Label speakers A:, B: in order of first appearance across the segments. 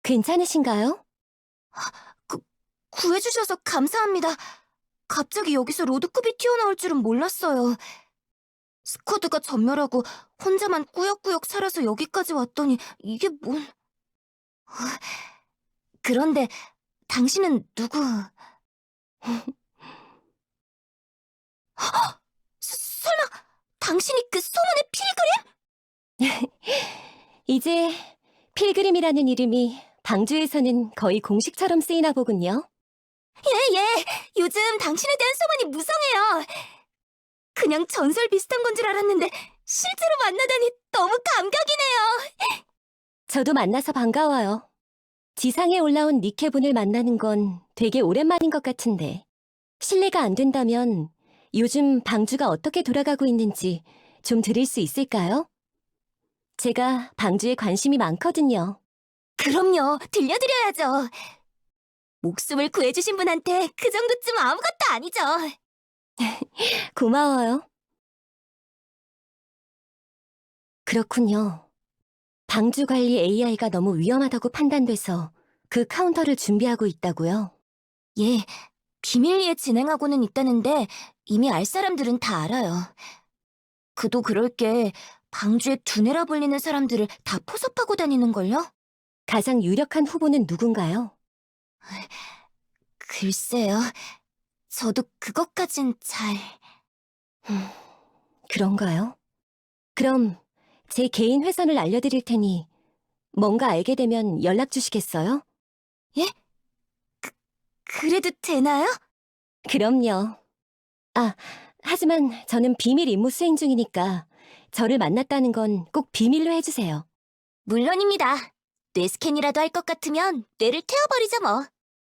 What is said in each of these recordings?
A: 괜찮으신가요?
B: 구, 구해주셔서 감사합니다. 갑자기 여기서 로드컵이 튀어나올 줄은 몰랐어요. 스쿼드가 전멸하고 혼자만 꾸역꾸역 살아서 여기까지 왔더니 이게 뭔... 그런데 당신은 누구... 설마 당신이 그 소문의 필그림?
A: 이제 필그림이라는 이름이 방주에서는 거의 공식처럼 쓰이나 보군요.
B: 예. 요즘 당신에 대한 소문이 무성해요. 그냥 전설 비슷한 건 줄 알았는데 실제로 만나다니 너무 감격이네요.
A: 저도 만나서 반가워요. 지상에 올라온 니케분을 만나는 건 되게 오랜만인 것 같은데 실례가 안 된다면 요즘 방주가 어떻게 돌아가고 있는지 좀 들을 수 있을까요? 제가 방주에 관심이 많거든요.
B: 그럼요, 들려드려야죠. 목숨을 구해주신 분한테 그 정도쯤 아무것도 아니죠.
A: 고마워요. 그렇군요. 방주 관리 AI가 너무 위험하다고 판단돼서 그 카운터를 준비하고 있다고요?
B: 예, 비밀리에 진행하고는 있다는데 이미 알 사람들은 다 알아요. 그도 그럴 게 방주에 두뇌라 불리는 사람들을 다 포섭하고 다니는걸요?
A: 가장 유력한 후보는 누군가요?
B: 글쎄요, 저도 그것까진 잘...
A: 그런가요? 그럼 제 개인 회선을 알려드릴 테니 뭔가 알게 되면 연락 주시겠어요?
B: 예? 그래도 되나요?
A: 그럼요. 아, 하지만 저는 비밀 임무 수행 중이니까 저를 만났다는 건 꼭 비밀로 해주세요.
B: 물론입니다. 뇌 스캔이라도 할 것 같으면 뇌를 태워버리죠 뭐.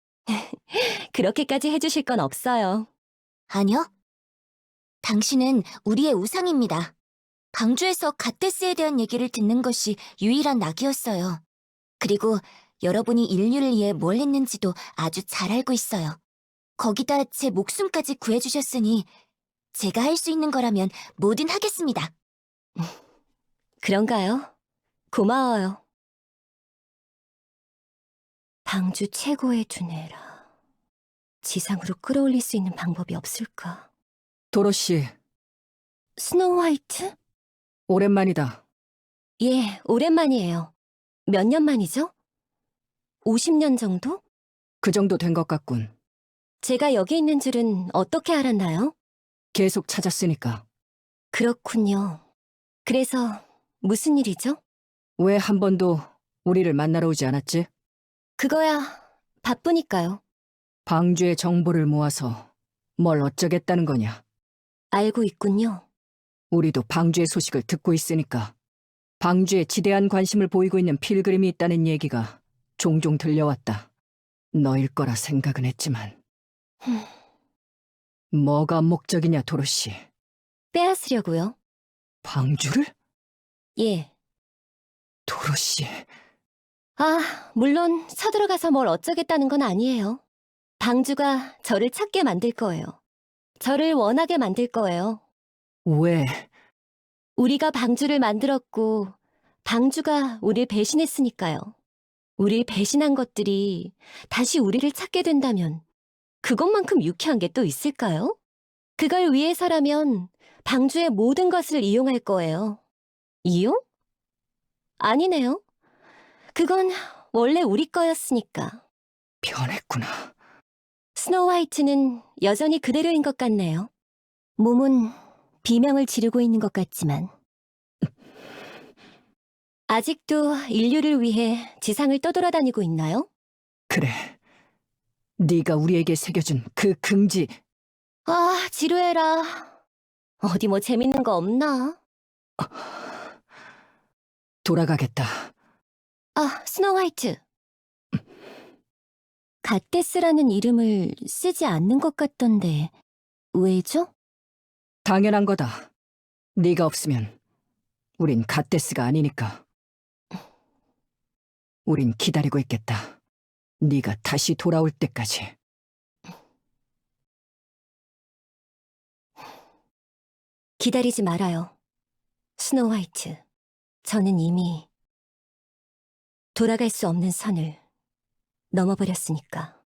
A: 그렇게까지 해주실 건 없어요.
B: 아니요. 당신은 우리의 우상입니다. 방주에서 갓데스에 대한 얘기를 듣는 것이 유일한 낙이었어요. 그리고 여러분이 인류를 위해 뭘 했는지도 아주 잘 알고 있어요. 거기다 제 목숨까지 구해주셨으니 제가 할 수 있는 거라면 뭐든 하겠습니다.
A: 그런가요? 고마워요. 방주 최고의 두뇌라. 지상으로 끌어올릴 수 있는 방법이 없을까?
C: 도로시,
A: 스노우 화이트?
C: 오랜만이다.
A: 예, 오랜만이에요. 몇 년 만이죠? 50년 정도?
C: 그 정도 된 것 같군.
A: 제가 여기 있는 줄은 어떻게 알았나요?
C: 계속 찾았으니까.
A: 그렇군요. 그래서 무슨 일이죠?
C: 왜 한 번도 우리를 만나러 오지 않았지?
A: 그거야 바쁘니까요.
C: 방주의 정보를 모아서 뭘 어쩌겠다는 거냐.
A: 알고 있군요.
C: 우리도 방주의 소식을 듣고 있으니까. 방주에 지대한 관심을 보이고 있는 필그림이 있다는 얘기가 종종 들려왔다. 너일 거라 생각은 했지만. 뭐가 목적이냐, 도로시.
A: 빼앗으려고요.
C: 방주를?
A: 예.
C: 도로시.
A: 물론 서들어가서 뭘 어쩌겠다는 건 아니에요. 방주가 저를 찾게 만들 거예요. 저를 원하게 만들 거예요.
C: 왜?
A: 우리가 방주를 만들었고 방주가 우릴 배신했으니까요. 우릴 배신한 것들이 다시 우리를 찾게 된다면 그것만큼 유쾌한 게 또 있을까요? 그걸 위해서라면 방주의 모든 것을 이용할 거예요. 이용? 아니네요. 그건 원래 우리 거였으니까.
C: 변했구나.
A: 스노우 화이트는 여전히 그대로인 것 같네요. 몸은 비명을 지르고 있는 것 같지만 아직도 인류를 위해 지상을 떠돌아다니고 있나요?
C: 그래. 네가 우리에게 새겨준 그 긍지.
A: 지루해라. 어디 뭐 재밌는 거 없나?
C: 돌아가겠다.
A: 스노우 화이트. 갓데스라는 이름을 쓰지 않는 것 같던데 왜죠?
C: 당연한 거다. 네가 없으면 우린 갓데스가 아니니까. 우린 기다리고 있겠다. 네가 다시 돌아올 때까지.
A: 기다리지 말아요. 스노우 화이트. 저는 이미 돌아갈 수 없는 선을 넘어버렸으니까.